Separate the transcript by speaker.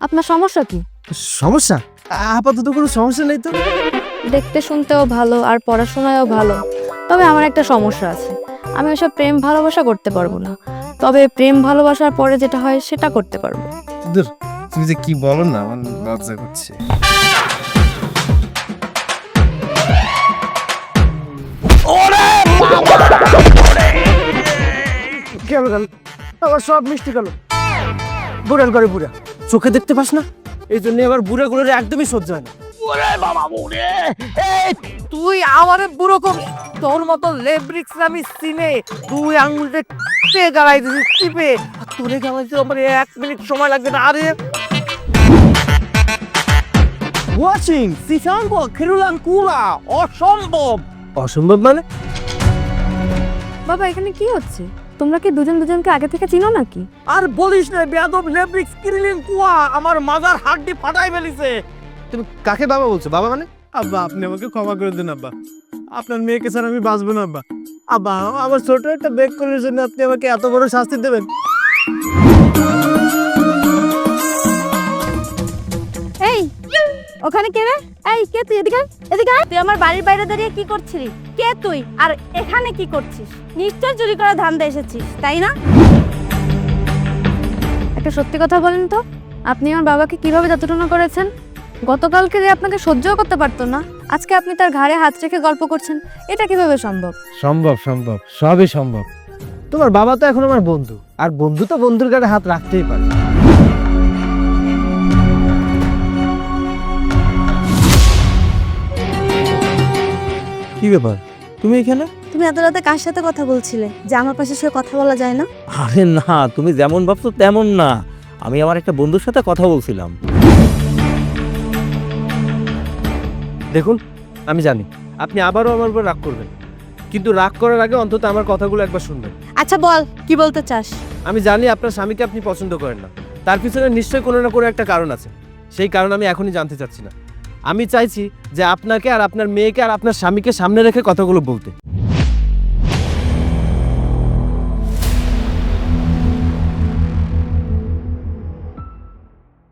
Speaker 1: আপনার সমস্যা কি?
Speaker 2: সমস্যা? আপাতত কোনো সমস্যা নেই তো।
Speaker 1: দেখতে শুনতেও ভালো আর পড়াশোনায়ও ভালো, তবে আমার একটা সমস্যা আছে। আমি ওসব প্রেম ভালোবাসা করতে পারবো না, তবে প্রেম ভালোবাসার পরে যেটা হয় সেটা করতে পারবো।
Speaker 2: দূর, তুমি যে কি বলো না, আমার লজ্জা করছে। কেন গেল আবার সব মিষ্টি গেল? বুড়ার ঘরে বুড়া, চোখে দেখতে পাস না? এই জন্য আবার বুড়া গুলোর একদমই সহ্য হয় না।
Speaker 3: ওরে বাবা ওরে, এই তুই আমারে বুড়ো কর, তোর মতো লেব্রিক্স আমি চিনে, তুই আঙুলটা টিপে গালাই দিছিস, টিপে তোরে গালাইতে আমার 1 মিনিট সময় লাগবে না। আরে ওয়াচিং সিসাঙ্গো খেরুলান কুলা অসম্ভব।
Speaker 2: অসম্ভব মানে?
Speaker 1: বাবা, এখানে কি হচ্ছে? তোমরা কি দুজন দুজনকে আগে থেকে চিনো নাকি?
Speaker 3: আর বলিস না, বেয়াদব লেব্রিক্স কিরিলিন কুয়া আমার মাজার হাড্ডি ফাটাই ফেলিছে।
Speaker 2: তুমি কাকে বাবা বলছো? বাবা মানে?
Speaker 4: আব্বা, আপনি আমাকে ক্ষমা করে দিন আব্বা। আপনার মেয়েকে ছাড়া আমি বাঁচবো না আব্বা। আব্বা, আমার ছোট একটা বেক করার জন্য আপনি আমাকে এত বড় শাস্তি দেবেন?
Speaker 1: এই, ওখানে কে রে? এই কে তুই? এদিকে আয়, এদিকে আয়। তুই আমার বাড়ির বাইরে দাঁড়িয়ে কি করছিলি? কে তুই? আর এখানে কি করছিস? নিশ্চয় চুরি করা ধান্দা এসেছিস, তাই না? একটা সত্যি কথা বলেন তো, আপনি আমার বাবাকে কিভাবে যতটুকু করেছেন? গতকালকে যে আপনাকে সহ্যও করতে পারতো না, আজকে আপনি তার ঘাড়ে হাত রেখে গল্প করছেন, এটা কিভাবে সম্ভব?
Speaker 2: সম্ভব, সম্ভব, সবই সম্ভব। তোমার বাবা তো এখন আমার বন্ধু, আর বন্ধু তো বন্ধুর গায়ে হাত রাখতেই পারে।
Speaker 4: কি ব্যাপার, তুমি এখানে?
Speaker 5: তুমি এত রাতে কার সাথে কথা বলছিলে যে আমার পাশে শুয়ে কথা বলা যায় না?
Speaker 6: আরে না, তুমি যেমন ভাবছো তেমন না। আমি আমার একটা বন্ধুর সাথে কথা বলছিলাম।
Speaker 2: দেখুন, আমি জানি আপনি আবারও আমার উপর রাগ করবেন, কিন্তু রাগ করার আগে অন্তত আমার কথাগুলো একবার শুনবেন।
Speaker 5: আচ্ছা বল, কি বলতে চাস?
Speaker 2: আমি জানি আপনার স্বামীকে আপনি পছন্দ করেন না, তার পিছনে নিশ্চয়ই কোনো না কোনো একটা কারণ আছে। সেই কারণ আমি এখনই জানতে চাচ্ছি না। আমি চাইছি যে আপনাকে আর আপনার মেয়েকে আর আপনার স্বামীকে সামনে রেখে কথাগুলো বলতে।